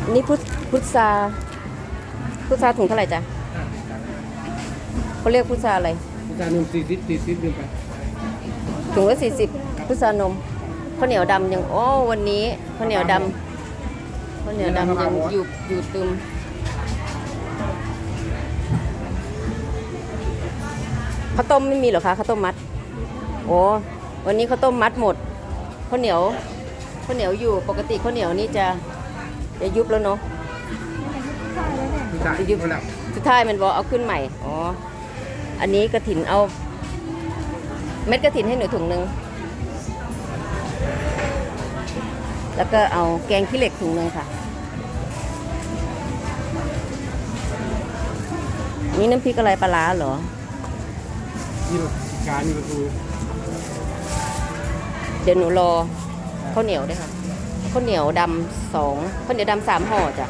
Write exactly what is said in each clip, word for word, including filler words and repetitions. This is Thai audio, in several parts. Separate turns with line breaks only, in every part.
นี่พุทพุทราพุทราถุงเท่าไหร่จ๊ะเขาเรียกพุทราอะไร
พุทรานมสี่สิบสี่สิบเดือนไป
ถุงละสี่สิบพุทรานมข้าวเหนียวดำยังโอ้วันนี้ข้าวเหนียวดำข้าวเหนียวดำยังอยู่อยู่ตึมข้าวต้มไม่มีเหรอคะข้าวต้มมัดโอ้วันนี้ข้าวต้มมัดหมดข้าวเหนียวข้าวเหนียวอยู่ปกติข้าวเหนียวนี่จะจะยุบแล้วเนาะ
พุทรา
จะยุบ
แล้ว
สุดท้ายมันบอกเอาขึ้นใหม่อ๋ออันนี้กระถินเอาเม็ดกระถินให้หนูถุงหนึ่งแล้วก็เอาแกงขี้เหล็กถุงหนึ่งค่ะนี่น้ำพริกอะไรปลาร้าเหรอ
นี่มันการนี่มันคือ
เดี๋ยวหนูรอข้าวเหนียวด้วยค่ะข้าวเหนียวดำสองข้าวเหนียวดำสามห่อจ้ะ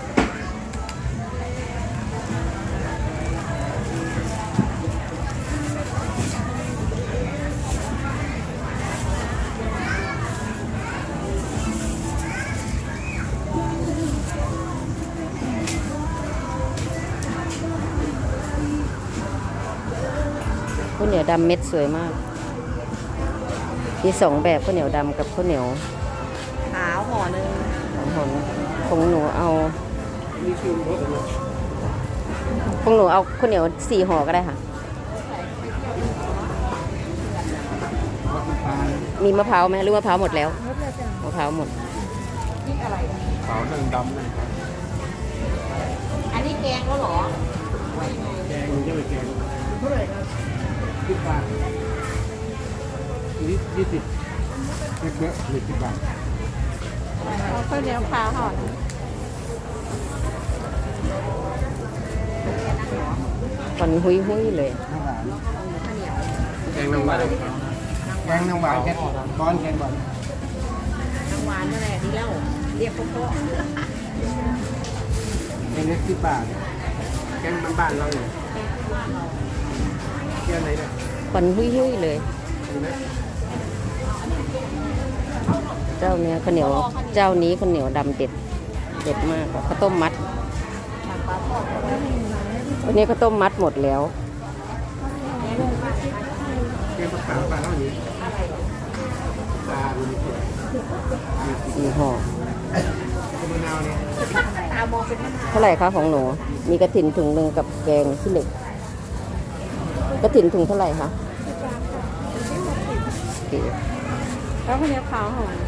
ข้าวเหนียวดำเม็ดสวยมากมีสองแบบข้าวเหนียวดำกับข้าวเหนียวขาวห่อหนึ่งสองห่อของหนูเอา
นี่คือรสอะไร
ของหนูเอาข้าวเหนียวสี่ห่อก็ได้ค่ะ
รสน้ำตาล
มีมะพร้าวไหมหรือมะพร้าวหมดแล้วมะพร้าวหมด
ขาวนั่งดำนั่ง
อันนี้แกงแล้วหรอ
แกงมันจะไปแกงเท่าไหร่ครับสิบบาทนี่ยี่สิบเล็กเบ้อหนึ่งสิบบาท
เอาข้าวเหนียวขาวห่อหนึ่ง
ควันหุยหุยๆเลย
น้ำหวานแกงน้ำหวานแกงน้ำหวานแกงบอนแกงบอน
น้ำหวานนั่นแหละดีแล้วเรียกพ่อ
แกงเล็กสิบบาทแกงบ้านๆเราเนี่ยแกงไหนเนี่ย
ควันหุยหุยๆเลย
ดูนะ
เจ้าเนี้ยข้าวเหนียวเจ้านี้ข้าวเหนียวดำเด็ดเด็ดมากกว่าข้าวต้มมัดวันนี้ข้าวต้มมัดหมดแล้ว
แกงปลาขาวปลาเท่านี้ปลาดูนี่
สี่ห่อ
มะนาวเนี่ย
ตามองเป็นมะนาว
เท่าไหร่คะของหนูมีกระถินถุงหนึ่งกับแกงขี้เหล็กกระถินถุงเท่าไหร่คะโอเค
แล้วข้าวเหนียวขาวห่อหนึ่ง